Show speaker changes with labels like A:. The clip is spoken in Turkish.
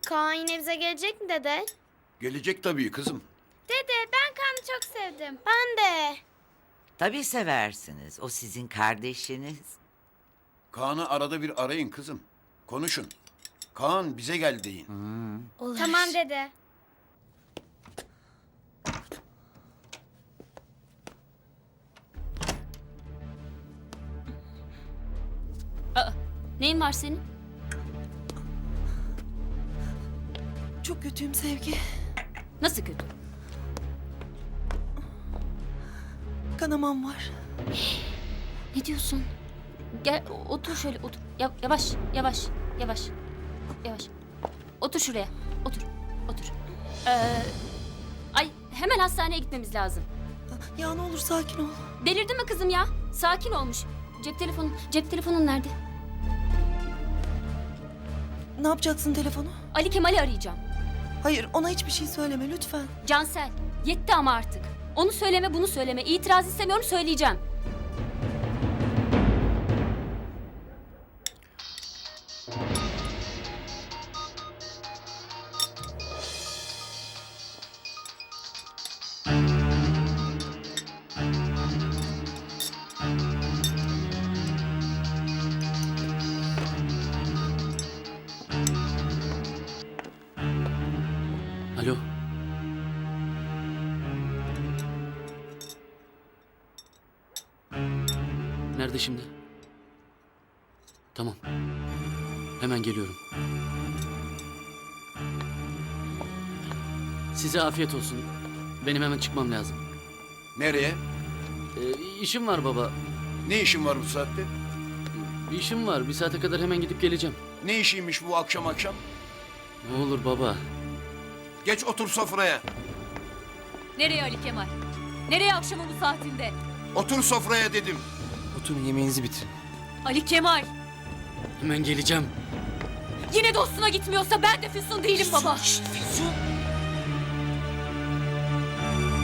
A: Kaan yine bize gelecek mi dede?
B: Gelecek tabii kızım.
A: Dede ben Kaan'ı çok sevdim. Ben de.
C: Tabii seversiniz. O sizin kardeşiniz.
B: Kaan'ı arada bir arayın kızım. Konuşun. Kaan bize gel deyin.
A: Olur. Tamam dede.
D: Neyin var senin?
E: Çok kötüyüm Sevgi.
D: Nasıl kötü?
E: Kanamam var.
D: Ne diyorsun? Gel otur şöyle otur. Yavaş yavaş yavaş. Yavaş. Otur şuraya. Otur. Otur. Ay hemen hastaneye gitmemiz lazım.
E: Ya ne olur sakin ol.
D: Delirdin mi kızım ya? Sakin olmuş. Cep telefonun nerede?
E: Ne yapacaksın telefonu?
D: Ali Kemal'i arayacağım.
E: Hayır, ona hiçbir şey söyleme lütfen.
D: Cansel, yetti ama artık. Onu söyleme, bunu söyleme. İtiraz istemiyorum, söyleyeceğim.
F: Alo. Nerede şimdi? Tamam. Hemen geliyorum. Size afiyet olsun. Benim hemen çıkmam lazım.
B: Nereye?
F: İşim var baba.
B: Ne işin var bu saatte?
F: Bir işim var. Bir saate kadar hemen gidip geleceğim.
B: Ne işiymiş bu akşam akşam?
F: Ne olur baba.
B: Geç otur sofraya.
D: Nereye Ali Kemal? Nereye akşamın bu saatinde?
B: Otur sofraya dedim.
G: Oturun yemeğinizi bitirin.
D: Ali Kemal!
F: Hemen geleceğim.
D: Yine dostuna gitmiyorsa ben de Füsun değilim baba.
E: Füsun.